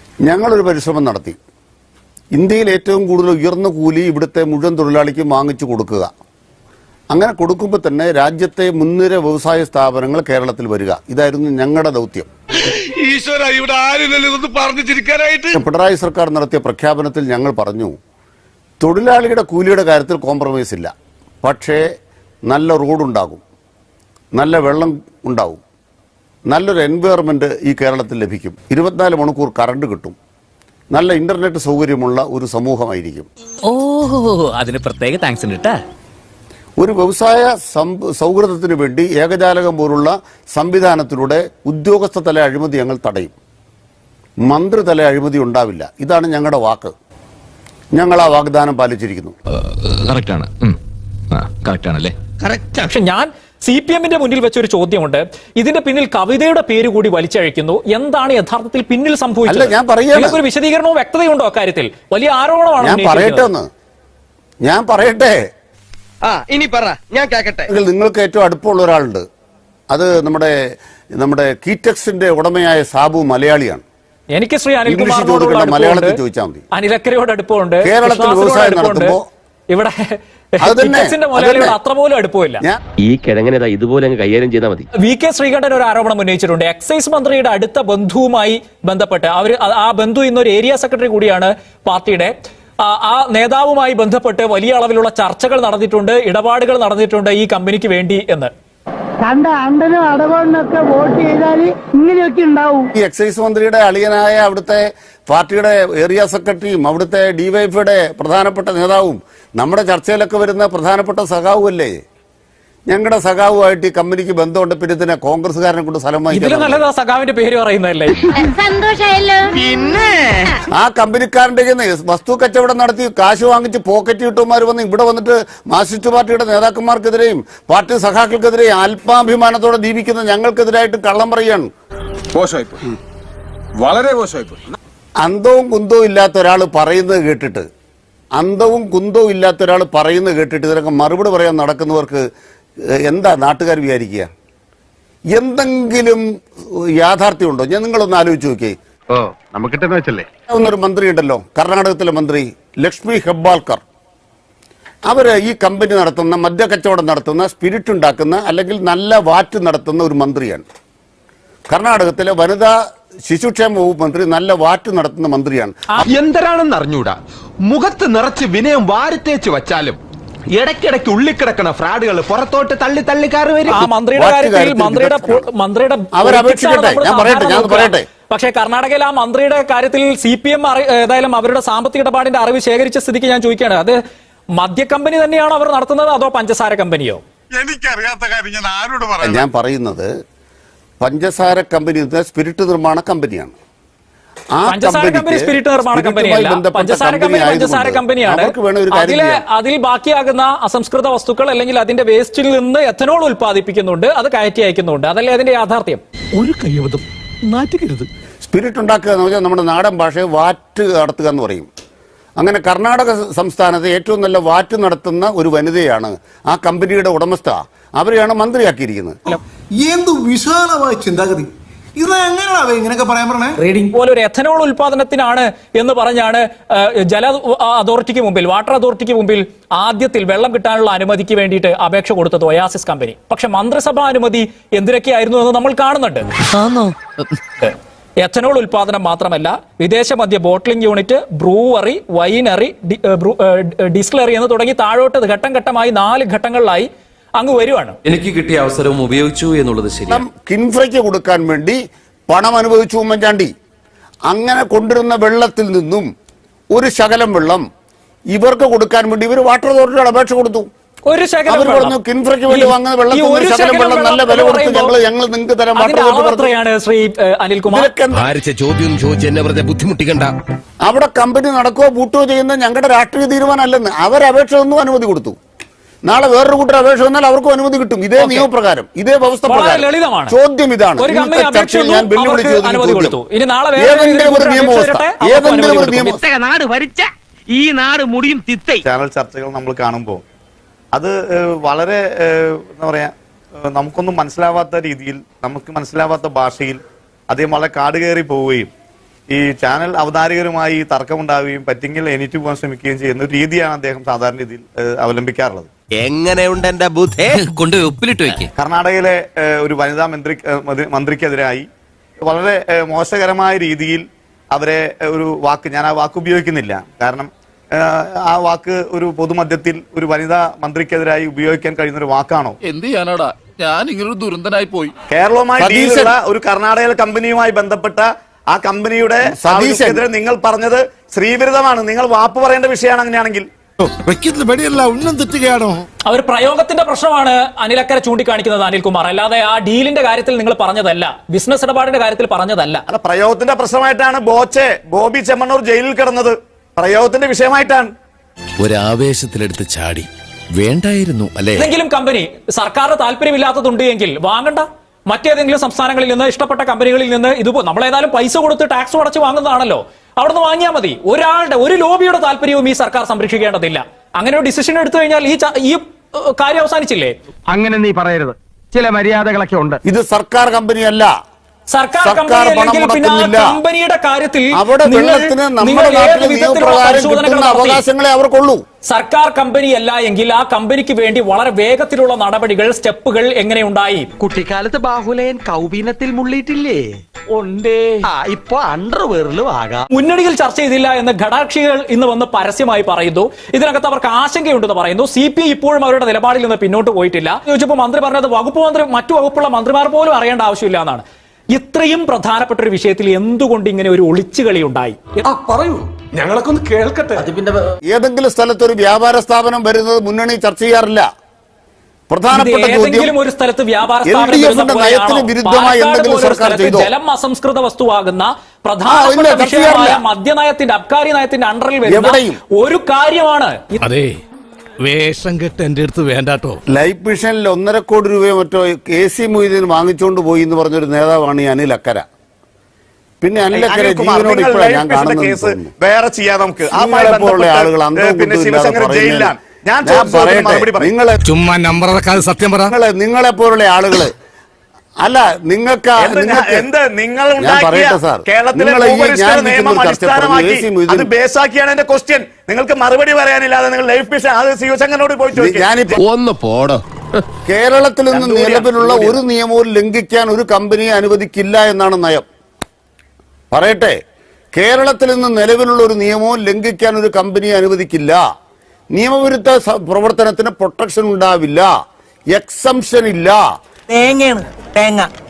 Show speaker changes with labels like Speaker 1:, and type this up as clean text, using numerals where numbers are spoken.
Speaker 1: ഞങ്ങളൊരു പരിശ്രമം നടത്തി. ഇന്ത്യയിൽ ഏറ്റവും കൂടുതൽ ഉയർന്ന കൂലി ഇവിടുത്തെ മുഴുവൻ തൊഴിലാളിക്കും വാങ്ങിച്ചു കൊടുക്കുക. അങ്ങനെ കൊടുക്കുമ്പോൾ തന്നെ രാജ്യത്തെ മുൻനിര വ്യവസായ സ്ഥാപനങ്ങൾ കേരളത്തിൽ വരിക. ഇതായിരുന്നു ഞങ്ങളുടെ ദൗത്യം. പിണറായി സർക്കാർ നടത്തിയ പ്രഖ്യാപനത്തിൽ ഞങ്ങൾ പറഞ്ഞു, തൊഴിലാളിയുടെ കൂലിയുടെ കാര്യത്തിൽ കോംപ്രമൈസ് ഇല്ല, പക്ഷേ നല്ല റോഡുണ്ടാകും, നല്ല വെള്ളം ഉണ്ടാകും, നല്ലൊരു എൻവയറമെന്റ് ഈ കേരളത്തിൽ ലഭിക്കും, 24 മണിക്കൂർ കറണ്ട് കിട്ടും, നല്ല ഇന്റർനെറ്റ് സൗകര്യമുള്ള ഒരു സമൂഹമായിരിക്കും.
Speaker 2: അതിന് പ്രത്യേക താങ്ക്സ് ഉണ്ട് കേട്ടോ.
Speaker 1: ഒരു വ്യവസായ സൗഹൃദത്തിന് വേണ്ടി ഏകജാലകം പോലുള്ള സംവിധാനത്തിലൂടെ ഉദ്യോഗസ്ഥ തല അഴിമതി ഞങ്ങൾ തടയും. മന്ത്രിതല അഴിമതി ഉണ്ടാവില്ല. ഇതാണ് ഞങ്ങളുടെ വാക്ക്. ഞങ്ങൾ ആ വാഗ്ദാനം പാലിച്ചിരിക്കുന്നു.
Speaker 2: പക്ഷെ ഞാൻ CPM-ന്റെ മുന്നിൽ വെച്ചൊരു ചോദ്യമുണ്ട്. ഇതിന്റെ പിന്നിൽ കവിതയുടെ പേര് കൂടി വലിച്ചഴിക്കുന്നു. എന്താണ് യഥാർത്ഥത്തിൽ പിന്നിൽ സംഭവിച്ചത്? ഒരു വിശദീകരണവും വ്യക്തതയുണ്ടോ അക്കാര്യത്തിൽ? വലിയ ആരോപണമാണ്.
Speaker 1: ഞാൻ പറയട്ടെ.
Speaker 3: ഇനി പറ, ഞാൻ കേൾക്കട്ടെ.
Speaker 1: നിങ്ങൾക്ക് ഏറ്റവും അടുപ്പമുള്ള ഒരാളുണ്ട്. അത് നമ്മുടെ കീറ്റക്സിന്റെ ഉടമയായ സാബു മലയാളിയാണ്.
Speaker 2: എനിക്ക് ശ്രീ അനിൽകുമാറിനോട്
Speaker 1: മലയാളത്തിൽ ചോദിച്ചാൽ മതി.
Speaker 2: അനിലക്കരയോട് അടുപ്പമുണ്ട്.
Speaker 1: കേരളത്തിൽ വ്യവസായം നടത്തുമ്പോ
Speaker 2: ഇവിടെ അത്ര പോലും അടുപ്പമില്ല.
Speaker 4: ഈ കിഴങ്ങനെ ഇതുപോലെ കൈകാര്യം ചെയ്താൽ മതി.
Speaker 2: VK ശ്രീകണ്ഠൻ ഒരു ആരോപണം ഉന്നയിച്ചിട്ടുണ്ട്. എക്സൈസ് മന്ത്രിയുടെ അടുത്ത ബന്ധുവുമായി ബന്ധപ്പെട്ട് ആ ബന്ധു ഇന്നൊരു ഏരിയ സെക്രട്ടറി കൂടിയാണ് പാർട്ടിയുടെ. ആ നേതാവുമായി ബന്ധപ്പെട്ട് വലിയ അളവിലുള്ള ചർച്ചകൾ നടന്നിട്ടുണ്ട്, ഇടപാടുകൾ നടന്നിട്ടുണ്ട് ഈ കമ്പനിക്ക് വേണ്ടി എന്ന്.
Speaker 1: ഈ എക്സൈസ് മന്ത്രിയുടെ അളിയനായ അവിടുത്തെ പാർട്ടിയുടെ ഏരിയ സെക്രട്ടറിയും അവിടുത്തെ DYFയുടെ പ്രധാനപ്പെട്ട നേതാവും നമ്മുടെ ചർച്ചയിലൊക്കെ വരുന്ന പ്രധാനപ്പെട്ട സഖാവുമല്ലേ? ഞങ്ങളുടെ സഖാവുമായിട്ട് ഈ കമ്പനിക്ക് ബന്ധമുണ്ട്. പിന്നെ ഇതിനെ കോൺഗ്രസ്സുകാരനെ കൊണ്ട് സ്ഥലം വാങ്ങിക്കാൻ
Speaker 2: സഖാവിന്റെ പേര് പറയുന്നതല്ലേ?
Speaker 1: ആ കമ്പനിക്കാരന്റെ വസ്തു കച്ചവടം നടത്തി കാശ് വാങ്ങിച്ച് പോക്കറ്റ് കിട്ടുമാർ വന്ന് ഇവിടെ വന്നിട്ട് മാർക്സിസ്റ്റ് പാർട്ടിയുടെ നേതാക്കന്മാർക്കെതിരെയും പാർട്ടി സഖാക്കൾക്കെതിരെയും ആത്മാഭിമാനത്തോടെ ജീവിക്കുന്ന ഞങ്ങൾക്കെതിരായിട്ട് കള്ളം പറയാണ്.
Speaker 5: വളരെ മോശമായിപ്പോയി.
Speaker 1: അന്തവും കുന്തവും ഇല്ലാത്ത ഒരാൾ പറയുന്നത് കേട്ടിട്ട് ഇതിനൊക്കെ മറുപടി പറയാൻ നടക്കുന്നവർക്ക് എന്താ നാട്ടുകാർ വിചാരിക്കുക? എന്തെങ്കിലും യാഥാർത്ഥ്യമുണ്ടോ? നിങ്ങളൊന്ന് ആലോചിച്ച് നോക്കിയേ. ഒരു മന്ത്രി ഉണ്ടല്ലോ, കർണാടകത്തിലെ മന്ത്രി ലക്ഷ്മി ഹെബ്ബാൾക്കർ. അവര് ഈ കമ്പനി നടത്തുന്ന, മദ്യക്കച്ചവടം നടത്തുന്ന, സ്പിരിറ്റ് ഉണ്ടാക്കുന്ന അല്ലെങ്കിൽ നല്ല വാറ്റ് നടത്തുന്ന ഒരു മന്ത്രിയാണ്. കർണാടകത്തിലെ വനിതാ ശിശുക്ഷേമ വകുപ്പ് മന്ത്രി നല്ല വാറ്റ് നടത്തുന്ന മന്ത്രിയാണ്.
Speaker 6: എന്തരാണെന്ന് അറിഞ്ഞൂടാ. മുഖത്ത് നിറച്ച് വിനയം വാരിത്തേച്ച് വച്ചാലും ഇടയ്ക്കിടയ്ക്ക് ഉള്ളിക്കിടക്കണ ഫ്രാഡുകൾ പുറത്തോട്ട് തള്ളി തള്ളിക്കാറ് വരും.
Speaker 2: പക്ഷേ കർണാടകയിൽ ആ മന്ത്രിയുടെ കാര്യത്തിൽ CPM ഏതായാലും അവരുടെ സാമ്പത്തിക ഇടപാടിന്റെ അറിവ് ശേഖരിച്ച സ്ഥിതിക്ക് ഞാൻ ചോദിക്കുകയാണ്, അത് മദ്യ കമ്പനി തന്നെയാണോ അവർ നടത്തുന്നത് അതോ പഞ്ചസാര കമ്പനിയോ?
Speaker 5: എനിക്കറിയാത്ത കാര്യം ഞാൻ ആരോട് പറയാം.
Speaker 1: ഞാൻ പറയുന്നത് പഞ്ചസാര കമ്പനി സ്പിരിറ്റ് നിർമ്മാണ കമ്പനിയാണ്.
Speaker 2: അതിൽ ബാക്കിയാകുന്ന അസംസ്കൃത വസ്തുക്കൾ അല്ലെങ്കിൽ അതിന്റെ വേസ്റ്റിൽ നിന്ന് എഥനോൾ ഉൽപ്പാദിപ്പിക്കുന്നുണ്ട്, അത് കയറ്റി അയക്കുന്നുണ്ട്. അതല്ലേ അതിന്റെ യാഥാർത്ഥ്യം?
Speaker 7: ഒരു കൈവതം നാറ്റുകരുത്.
Speaker 1: സ്പിരിറ്റ് ഉണ്ടാക്കുക എന്ന് പറഞ്ഞാൽ നമ്മുടെ നാടൻ ഭാഷയെ വാറ്റ് നടത്തുക എന്ന് പറയും. അങ്ങനെ കർണാടക സംസ്ഥാനത്ത് ഏറ്റവും നല്ല വാറ്റ് നടത്തുന്ന ഒരു വനിതയാണ് ആ കമ്പനിയുടെ ഉടമസ്ഥ. അവരെയാണ് മന്ത്രിയാക്കിയിരിക്കുന്നത്.
Speaker 7: എന്ത് വിശാലമായ ചിന്താഗതി! ഇങ്ങനെയൊക്കെ പറയാൻ പറഞ്ഞേ.
Speaker 2: പോലെ ഒരു എഥനോൾ ഉൽപാദനത്തിനാണ് എന്ന് പറഞ്ഞാണ് ജല അതോറിറ്റിക്ക് മുമ്പിൽ, വാട്ടർ അതോറിറ്റിക്ക് മുമ്പിൽ ആദ്യത്തിൽ വെള്ളം കിട്ടാനുള്ള അനുമതിക്ക് വേണ്ടിയിട്ട് അപേക്ഷ കൊടുത്തത് ഒയാസിസ് കമ്പനി. പക്ഷെ മന്ത്രിസഭാ അനുമതി എന്തിനൊക്കെയായിരുന്നു എന്ന് നമ്മൾ കാണുന്നുണ്ട്. എഥനോൾ ഉൽപാദനം മാത്രമല്ല, വിദേശ മദ്യ bottling unit, brewery, winery, distillery എന്ന് തുടങ്ങി താഴോട്ട് ഘട്ടം ഘട്ടമായി 4 ഘട്ടങ്ങളിലായി അങ്ങ് വരുവാണ്.
Speaker 8: എനിക്ക് കിട്ടിയ അവസരവും ഉപയോഗിച്ചു എന്നുള്ളത് ശരിയാണ്.
Speaker 1: കിൻഫ്രയ്ക്ക് കൊടുക്കാൻ വേണ്ടി പണം അനുഭവിച്ചു ഉമ്മൻചാണ്ടി. അങ്ങനെ കൊണ്ടിരുന്ന വെള്ളത്തിൽ നിന്നും ഒരു ശകലം വെള്ളം ഇവർക്ക് കൊടുക്കാൻ വേണ്ടി ഇവർ വാട്ടർ അതോറിറ്റിയുടെ അപേക്ഷ കൊടുത്തു. അവർ പറഞ്ഞു കിൻഫ്രയ്ക്ക് വേണ്ടി വാങ്ങുന്ന വെള്ളത്തിൽ ശകലം വെള്ളം നല്ല വില കൊടുത്ത് ഞങ്ങൾ നിങ്ങൾക്ക് തരാൻ വാട്ടർ
Speaker 6: ബുദ്ധിമുട്ടിക്കണ്ട.
Speaker 1: അവിടെ കമ്പനി നടക്കുകയോ പൂട്ടുകയോ ചെയ്യുന്ന ഞങ്ങളുടെ രാഷ്ട്രീയ തീരുമാനമല്ലെന്ന്. അവർ അപേക്ഷ ഒന്നും അനുമതി കൊടുത്തു. നാളെ വേറൊരു കൂട്ടർ അപേക്ഷ വന്നാൽ അവർക്കും അനുമതി കിട്ടും. ഇതേ നിയമപ്രകാരം, ഇതേ വ്യവസ്ഥ പ്രകാരം. ചോദ്യം ഇതാണ്, ഞാൻ വെല്ലുവിളി
Speaker 9: ചാനൽ ചർച്ചകൾ നമ്മൾ കാണുമ്പോൾ അത് വളരെ എന്താ പറയാ, നമുക്കൊന്നും മനസ്സിലാവാത്ത രീതിയിൽ, നമുക്ക് മനസ്സിലാവാത്ത ഭാഷയിൽ അദ്ദേഹം വളരെ കാട് കയറി പോവുകയും ഈ ചാനൽ അവതാരകരുമായി തർക്കമുണ്ടാവുകയും പറ്റിങ്കിൽ എണീറ്റ് പോകാൻ ശ്രമിക്കുകയും ചെയ്യുന്ന ഒരു രീതിയാണ് അദ്ദേഹം സാധാരണ രീതിയിൽ അവലംബിക്കാറുള്ളത്.
Speaker 3: എങ്ങനെയുണ്ട് എന്റെ ബുദ്ധി?
Speaker 8: കൊണ്ട് ഉപ്പിലിട്ട് വെക്ക്.
Speaker 9: കർണാടകയിലെ ഒരു വനിതാ മന്ത്രിക്കെതിരായി വളരെ മോശകരമായ രീതിയിൽ അവരെ ഒരു വാക്ക്, ഞാൻ ആ വാക്ക് ഉപയോഗിക്കുന്നില്ല, കാരണം ആ വാക്ക് ഒരു പൊതുമധ്യത്തിൽ ഒരു വനിതാ മന്ത്രിക്കെതിരായി ഉപയോഗിക്കാൻ കഴിയുന്ന ഒരു വാക്കാണോ?
Speaker 5: എന്ത് ചെയ്യാനാടാ, ഞാൻ ഇങ്ങനൊരു ദുരന്തനായി പോയി.
Speaker 9: കേരളവുമായി ഡീലുള്ള ഒരു കർണാടക കമ്പനിയുമായി ബന്ധപ്പെട്ട ആ കമ്പനിയുടെ സതീശെതിരെ നിങ്ങൾ പറഞ്ഞത് സ്ത്രീവിരുദ്ധമാണ്. നിങ്ങൾ വാപ്പ് പറയേണ്ട വിഷയമാണ് അങ്ങനെയാണെങ്കിൽ.
Speaker 7: ഉന്നം തെറ്റുകയാണോ?
Speaker 2: അവർ പ്രയോഗത്തിന്റെ പ്രശ്നമാണ് അനിലക്കര ചൂണ്ടിക്കാണിക്കുന്നത്, അനിൽകുമാർ. അല്ലാതെ ആ ഡീലിന്റെ കാര്യത്തിൽ നിങ്ങൾ പറഞ്ഞതല്ല, ബിസിനസ് ഇടപാടിന്റെ കാര്യത്തിൽ പറഞ്ഞതല്ല.
Speaker 9: അല്ല, പ്രയോഗത്തിന്റെ പ്രശ്നമായിട്ടാണ് ബോബി ചെമ്മണ്ണൂർ ജയിലിൽ കിടന്നത്. പ്രയോഗത്തിന്റെ വിഷയമായിട്ടാണ്.
Speaker 10: ഒരാവേശത്തിലെടുത്ത് ചാടി വേണ്ടായിരുന്നു അല്ലേ?
Speaker 2: ഏതെങ്കിലും കമ്പനി സർക്കാരിന് താല്പര്യമില്ലാത്തതുണ്ട് എങ്കിൽ വാങ്ങണ്ട. മറ്റേതെങ്കിലും സംസ്ഥാനങ്ങളിൽ നിന്ന്, ഇഷ്ടപ്പെട്ട കമ്പനികളിൽ നിന്ന്, ഇതുപോ നമ്മളേതായാലും പൈസ കൊടുത്ത് ടാക്സ് അടച്ച് വാങ്ങുന്നതാണല്ലോ, അവിടുന്ന് വാങ്ങിയാൽ മതി. ഒരു ലോബിയുടെ താല്പര്യവും ഈ സർക്കാർ സംരക്ഷിക്കേണ്ടതില്ല. അങ്ങനെ ഒരു ഡിസിഷൻ എടുത്തു കഴിഞ്ഞാൽ ഈ കാര്യം അവസാനിച്ചില്ലേ?
Speaker 3: അങ്ങനെ നീ പറയരുത്, ചില മര്യാദകളൊക്കെ ഉണ്ട്.
Speaker 1: ഇത് സർക്കാർ കമ്പനിയല്ല.
Speaker 2: സർക്കാർ
Speaker 1: പണം മുടക്കുന്നില്ല.
Speaker 2: കമ്പനിയുടെ കാര്യത്തിൽ
Speaker 1: അവിടെ വെള്ളത്തിന് നമ്മുടെ നാട്ടിലെ നിയമപ്രകാരം കിട്ടുന്ന അവകാശങ്ങളെ അവർക്കുള്ളൂ.
Speaker 2: സർക്കാർ കമ്പനിയല്ല എങ്കിൽ ആ കമ്പനിക്ക് വേണ്ടി വളരെ വേഗത്തിലുള്ള നടപടികൾ, സ്റ്റെപ്പുകൾ എങ്ങനെയുണ്ടായി?
Speaker 3: കുട്ടിക്കാലത്ത് ബാഹുലയൻ കൗബീനത്തിൽ മുള്ളിയിട്ടില്ലേ? ഉണ്ടേ. ഇപ്പൊ അണ്ടർവെയറിലും ആകാം.
Speaker 2: മുന്നണിയിൽ ചർച്ച ചെയ്തില്ല എന്ന് ഘടാക്ഷികൾ ഇന്ന് വന്ന് പരസ്യമായി പറയുന്നു. ഇതിനകത്ത് അവർക്ക് ആശങ്കയുണ്ടെന്ന് പറയുന്നു. CPI ഇപ്പോഴും അവരുടെ നിലപാടിൽ നിന്ന് പിന്നോട്ട് പോയിട്ടില്ല. ചോദിച്ചപ്പോൾ മന്ത്രി പറഞ്ഞത് വകുപ്പ് മന്ത്രി, മറ്റു വകുപ്പുള്ള മന്ത്രിമാർ പോലും അറിയേണ്ട ആവശ്യമില്ല എന്നാണ്. ഇത്രയും പ്രധാനപ്പെട്ട ഒരു വിഷയത്തിൽ എന്തുകൊണ്ട് ഇങ്ങനെ ഒരു ഒളിച്ചുകളി ഉണ്ടായി?
Speaker 7: പറയൂ, ഞങ്ങളൊക്കെ ഒന്ന് കേൾക്കട്ടെ.
Speaker 1: ഏതെങ്കിലും സ്ഥലത്ത് ഒരു വ്യാപാര സ്ഥാപനം വരുന്നത് മുന്നണി ചർച്ച ചെയ്യാറില്ല. പ്രധാനപ്പെട്ട
Speaker 2: ഏതെങ്കിലും ഒരു സ്ഥലത്ത് വ്യാപാര
Speaker 1: നയത്തിന് വിരുദ്ധമായി എന്തെങ്കിലും സർക്കാർ ചെയ്തോ?
Speaker 2: ജലം അസംസ്കൃത വസ്തുവാകുന്ന പ്രധാനപ്പെട്ട വിഷയമായ മദ്യനയത്തിന്റെ, അബ്കാരി നയത്തിന്റെ അണ്ടറിൽ വരുന്ന ഒരു കാര്യമാണ്.
Speaker 10: അതെ, വേഷം കെട്ട് എന്റെ അടുത്ത് വേണ്ടാട്ടോ.
Speaker 1: ലൈഫ് മിഷനിൽ 1.5 കോടി രൂപയോ മറ്റോ AC മൊയ്തീൻ വാങ്ങിച്ചുകൊണ്ട് പോയി എന്ന് പറഞ്ഞൊരു നേതാവാണ് ഈ അനിൽ അക്കര. പിന്നെ അനിൽ അക്കര ജീവനോട് ഇപ്പോഴാണ് ഞാൻ കാണുന്നത്.
Speaker 9: വേറെ ചെയ്യാം നമുക്ക്.
Speaker 1: ആളുകൾ നിങ്ങളെ
Speaker 10: ചുമ്മാ നമ്പർ സത്യം പറ.
Speaker 1: നിങ്ങളെ പോലുള്ള ആളുകള് അല്ല, നിങ്ങൾക്ക്
Speaker 9: നിങ്ങൾക്ക് മറുപടി പറയാനില്ലാതെ നിങ്ങൾ ലൈഫ് മിഷൻ അത് ശിവശങ്കരനോട് പോയി ചോദിക്കും.
Speaker 10: ഒന്ന് പോടോ.
Speaker 1: കേരളത്തിൽ നിന്ന് നിലവിലുള്ള ഒരു നിയമവും ലംഘിക്കാൻ ഒരു കമ്പനിയെ അനുവദിക്കില്ല എന്നാണ് നയം. പറയട്ടെ, കേരളത്തിൽ നിന്ന് നിലവിലുള്ള ഒരു നിയമവും ലംഘിക്കാൻ ഒരു കമ്പനിയെ അനുവദിക്കില്ല. നിയമവിരുദ്ധ പ്രവർത്തനത്തിന് പ്രൊട്ടക്ഷൻ ഉണ്ടാവില്ല, എക്സംഷൻ ഇല്ല.
Speaker 3: തേങ്ങയാണ് തേങ്ങ.